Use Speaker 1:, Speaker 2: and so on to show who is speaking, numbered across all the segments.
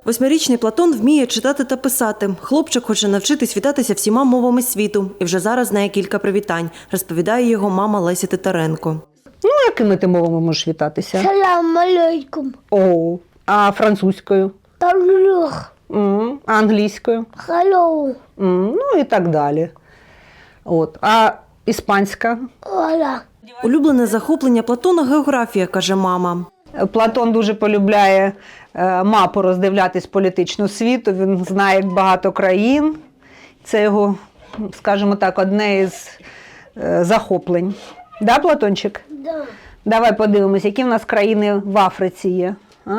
Speaker 1: 8-річний Платон вміє читати та писати. Хлопчик хоче навчитись вітатися всіма мовами світу. І вже зараз знає кілька привітань, розповідає його мама Леся Титаренко.
Speaker 2: Ну, якими ти мовами можеш вітатися?
Speaker 3: Салам алейкум.
Speaker 2: О, а французькою?
Speaker 3: Талюх.
Speaker 2: А англійською?
Speaker 3: Hello.
Speaker 2: Ну і так далі. От. А іспанська?
Speaker 3: Hola.
Speaker 1: Улюблене захоплення Платона – географія, каже мама.
Speaker 2: Платон дуже полюбляє мапу роздивлятись політичну світу, він знає як багато країн. Це його, скажімо так, одне із захоплень. Да, Платончик?
Speaker 3: Да.
Speaker 2: Давай подивимось, які в нас країни в Африці є. А?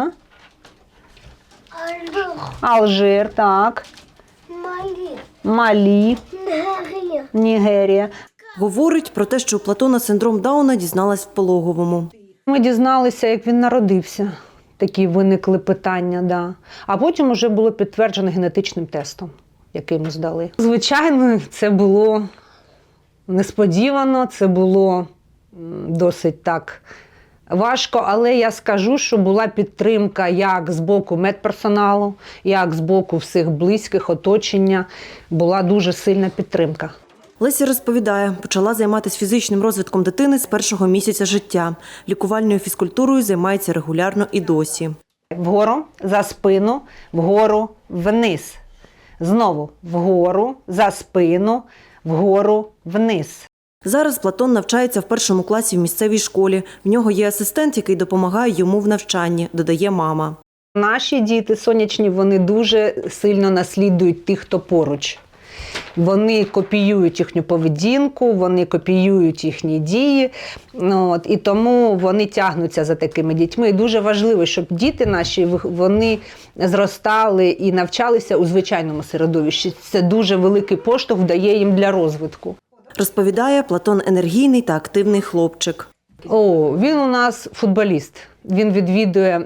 Speaker 3: Алюх.
Speaker 2: Алжир, так.
Speaker 3: Малі.
Speaker 2: Малі,
Speaker 3: Нігерія.
Speaker 2: Нігерія.
Speaker 1: Говорить про те, що у Платона синдром Дауна дізналась в пологовому.
Speaker 2: Ми дізналися, як він народився. Такі виникли питання, да. А потім вже було підтверджено генетичним тестом, який ми здали. Звичайно, це було несподівано, це було досить так важко, але я скажу, що була підтримка як з боку медперсоналу, як з боку всіх близьких, оточення. Була дуже сильна підтримка.
Speaker 1: Леся розповідає, почала займатися фізичним розвитком дитини з першого місяця життя. Лікувальною фізкультурою займається регулярно і досі.
Speaker 2: Вгору, за спину, вгору, вниз. Знову вгору, за спину, вгору, вниз.
Speaker 1: Зараз Платон навчається в 1 класі в місцевій школі. В нього є асистент, який допомагає йому в навчанні, додає мама.
Speaker 2: Наші діти сонячні, вони дуже сильно наслідують тих, хто поруч. Вони копіюють їхню поведінку, вони копіюють їхні дії, і тому вони тягнуться за такими дітьми. І дуже важливо, щоб діти наші, вони зростали і навчалися у звичайному середовищі. Це дуже великий поштовх дає їм для розвитку.
Speaker 1: Розповідає, Платон енергійний та активний хлопчик.
Speaker 2: Він у нас футболіст. Він відвідує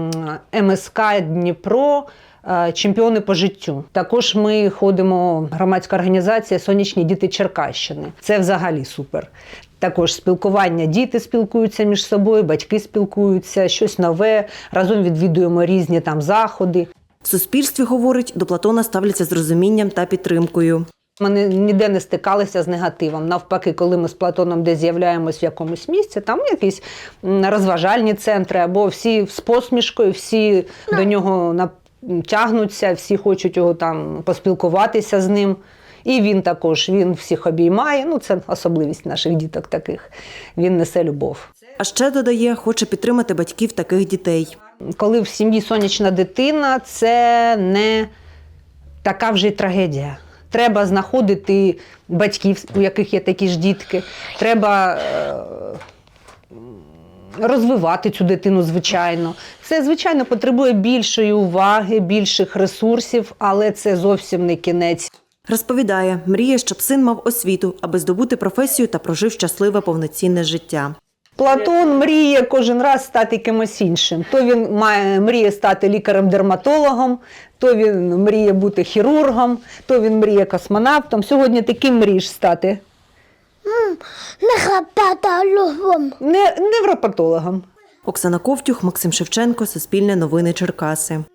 Speaker 2: МСК Дніпро, чемпіони по життю. Також ми ходимо, громадська організація «Сонячні діти Черкащини». Це взагалі супер. Також спілкування, діти спілкуються між собою, батьки спілкуються, щось нове, разом відвідуємо різні там заходи.
Speaker 1: В суспільстві, говорить, до Платона ставляться з розумінням та підтримкою.
Speaker 2: Ми ніде не стикалися з негативом. Навпаки, коли ми з Платоном десь з'являємось в якомусь місці, там якісь розважальні центри, або всі з посмішкою, всі до нього тягнуться, всі хочуть його там поспілкуватися з ним. І він також, він всіх обіймає. Це особливість наших діток таких. Він несе любов.
Speaker 1: А ще, додає, хоче підтримати батьків таких дітей.
Speaker 2: Коли в сім'ї сонячна дитина, це не така вже й трагедія. Треба знаходити батьків, у яких є такі ж дітки. Треба розвивати цю дитину, звичайно. Це, звичайно, потребує більшої уваги, більших ресурсів, але це зовсім не кінець.
Speaker 1: Розповідає, мріє, щоб син мав освіту, аби здобути професію та прожив щасливе повноцінне життя.
Speaker 2: Платон мріє кожен раз стати кимось іншим. То він мріє стати лікарем-дерматологом, то він мріє бути хірургом, то він мріє космонавтом. Сьогодні ти ким мрієш стати?
Speaker 3: Невропатологом.
Speaker 2: Невропатологом.
Speaker 1: Оксана Ковтюх, Максим Шевченко, Суспільне новини Черкаси.